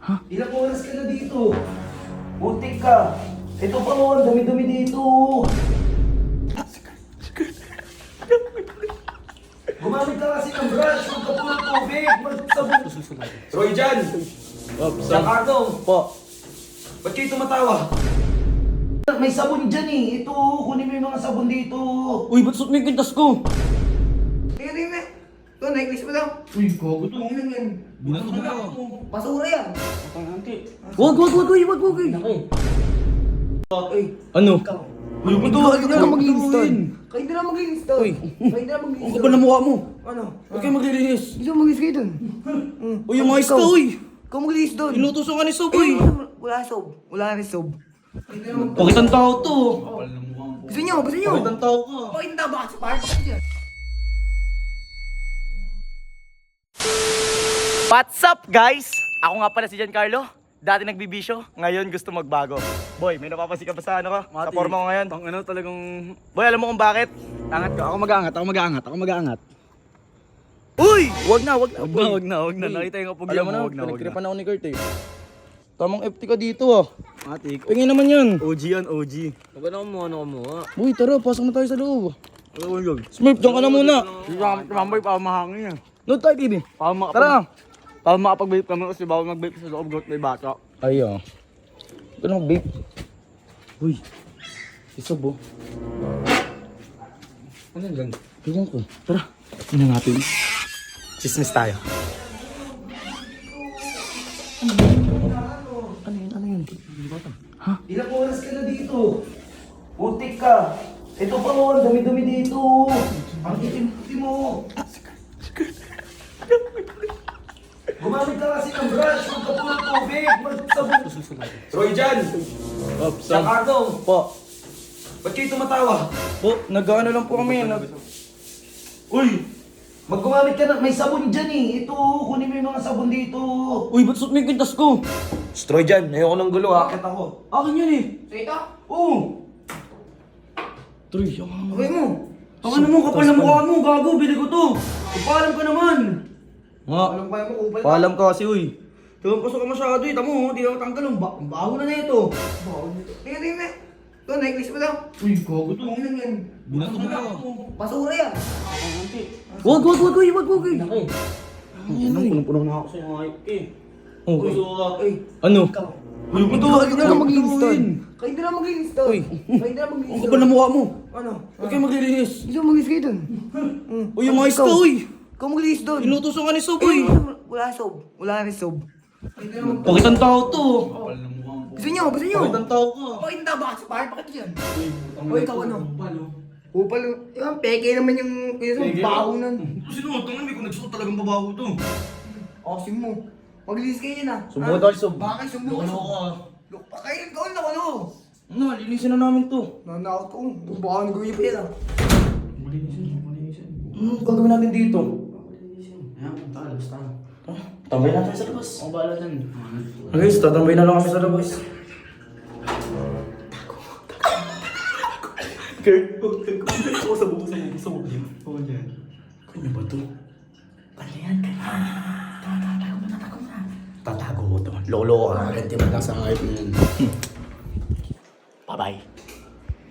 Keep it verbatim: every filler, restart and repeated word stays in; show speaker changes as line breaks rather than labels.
Ha?
Ilang oras ka na dito? Butik ka. Ito pa mo, ang dumi-dumi dito. Gumamit ka kasi ng brush, huwag ka puro tubig. Magsabon. Roy Jan! Giancarlo!
Po.
Ba't kayo tumatawa? May sabon dyan eh. Ito, kunin mo yung mga sabon dito.
Uy, ba't suot mo yung kwintas ko?
Tingnan, tingnan. Ito, necklace mo daw.
Uy, gago to.
Ano yan?
Binato mo ako.
Basura yan.
Wag, wag, wag, wag, wag, wag.
Ay,
Ano?
ikaw.
Uy, ba't
Ikaw,
ka
ikaw na maglinis doon. Kayo na lang maglinis doon.
Uy.
Kayo na lang maglinis
Ang kapal na mukha mo.
Ano?
Huwag kayo maglilinis.
Gusto mo maglinis kayo doon?
Uy, yung mga iska, uy.
Ikaw maglinis doon.
Inutusan ka ni Sob,
Uy,
uy.
wala sob. Wala rin sob.
Bakit ang tao to?
Gusto nyo, gusto nyo.
Bakit ang tao ka?
Bakit hindi ba sa park? Bakit yan?
What's up, guys? Ako nga pala si Giancarlo. Dati nagbibisyo, ngayon gusto magbago. Boy, may napapansin ka ba sa ano ka? Sa forma ko ngayon?
Ang ano talagang...
Boy, alam mo kung bakit?
Angat ka. Ako mag-aangat, ako mag-aangat, ako mag-aangat.
Uy! Wag na, wag na.
Wag na, wag na, wag na. Nakita yung kapag
Alam mo na,
wag na, wag na.
pinagtripan ako ni Kurt eh. Tamang F T ka dito ah.
Matik.
Pingin naman yan.
O G yan, O G.
Huwag na kumuha, ano kumuha.
Boy, tara, pasok na tayo sa loob.
Ano mo yun?
Smurf, dyan ka na muna.
Mamboy, para mahangin yan.
Load tayo, baby.
Para makapag...
Tara.
Para makapag-vape kami kasi bawal mag-vape sa loob goat may bata.
Ay, oh. Ito na mag-vape.
Uy, si Sob oh. Ano yan dyan?
Ewan ko. Tara, ina natin.
Chismis tayo.
Ano yun, ano yun?
Ilang oras ka na dito? Butik ka. Ito pa mo, ang dumi-dumi dito. Ang itim-itim mo. Gumamit ka kasi ng brush, huwag ka puro tubig. Magsabon. Roy Jan! Giancarlo!
Po.
Ba't kayo tumatawa?
Po, nag-ano lang po kami. Nag...
Uy! Maggumamit ka na, may sabon dyan eh. Ito, kunin mo yung mga sabon dito.
Uy, ba't suot mo yung kwintas ko?
Roy Jan, ayoko ng gulo, hakit ako.
Akin yan eh.
So ito?
Oo!
Troy, yung...
Okay mo.
Ang ano mo, kapal na mukha mo, gago, bili ko to. Ipaalam ka naman. Nga.
Alam ko mo, kupal ka.
Paalam ka kasi, uy. Tingnan pasok ka masyado eh, tamo, hindi na matanggal ang ba- ang baho na na ito.
Tingnan, tingnan. Ito, necklace mo daw.
Uy, gago to.
Tingnan yan.
Binato mo ako.
Basura yan.
Wag, wag, wag, wag, wag, wag.
Nakay.
Ano, punong-puno na ako.
Kasi yung hype eh.
Oh.
Uy, so,
Ay,
Ano?
ikaw.
Uy, ba't
Ikaw, kayo na lang maglinis doon.
gagawin?
Kayo na lang maglinis doon.
Uy.
Kayo na lang maglinis
Ang kapal na mukha mo.
Ano?
Huwag kayo maglilinis.
Gusto mo maglinis kayo doon?
Uy, yung mga iska,
Ikaw.
uy.
Ikaw maglinis doon.
Inutusan ka ni Sob,
Uy,
uy.
wala sob. Wala rin sob.
Bakit ang tao to?
Gusto nyo, gusto nyo.
Bakit ang tao ka?
Bakit hindi ba sa park? Bakit yan? Uy, ikaw ano? Upal. Yung peke naman yung yung baho nun.
Sinuot naman, may kung nagsuot talagang babaho to.
Asim mo. Maglinis kayo yan ah.
Sumbong
Ah,
tayo, Sob.
Bakit sumbong
Ano
ka?
ka?
Look pa kayo, ikaw na ano?
Ano, linisin na namin to.
Nanakot ko. Baka nagawin pa yan ah.
Ano gagawin natin dito?
Ayan, punta ka, labas tayo.
Tambay natin sa labas.
Ang bahala dyan.
Guys, tatambay na lang kami sa labas.
Kurt, huwag ako sa buko sa'yo. Sa buko yun. Huwag yan.
Kanya ba to?
Ano yan? Tatago mo na, tatago mo na. Tatago mo to. Lolo ka. Ganti mo lang sa hype mo yun. Bye-bye.